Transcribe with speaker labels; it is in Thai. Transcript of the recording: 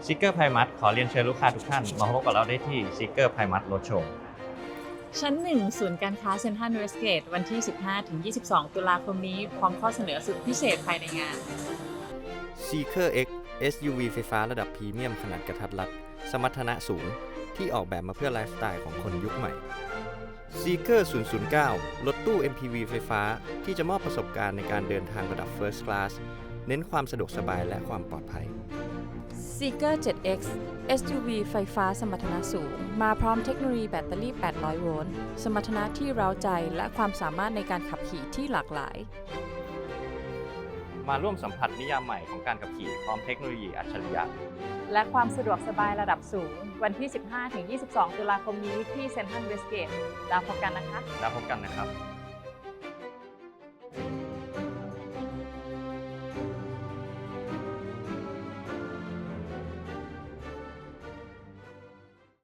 Speaker 1: ซิกเกอร์ไพรมัสขอเรียนเชิญลูกค้าทุกท่านมาพบกับเราได้ที่ซิกเกอร์ไพรมัสรถโชว์
Speaker 2: ชั้น 1 ศูนย์การค้าเซ็นทรัลเวสเกตวันที่ 15-22 ตุลาคมนี้ พร้อมข้อเสนอสุดพิเศษภายในงาน
Speaker 3: Seeker X SUV ไฟฟ้าระดับพรีเมียมขนาดกระทัดรัดสมรรถนะสูงที่ออกแบบมาเพื่อไลฟ์สไตล์ของคนยุคใหม่ Seeker 009 รถตู้ MPV ไฟฟ้าที่จะมอบประสบการณ์ในการเดินทางระดับ First Class เน้นความสะดวกสบายและความปลอดภัย
Speaker 4: Seeker 7X SUV ไฟฟ้าสมรรถนะสูงมาพร้อมเทคโนโลยีแบตเตอรี่ 800 โวลต์ สมรรถนะที่เร้าใจและความสามารถในการขับขี่ที่หลากหลาย
Speaker 1: มาร่วมสัมผัสนิยามใหม่ของการขับขี่พร้อมเทคโนโลยีอัจฉริยะ
Speaker 2: และความสะดวกสบายระดับสูง วันที่ 15-22 ตุลาคมนี้ที่เซ็นทรัลเวสเกตแล้วพบกันนะคะ
Speaker 1: แล้วพบกันนะครับ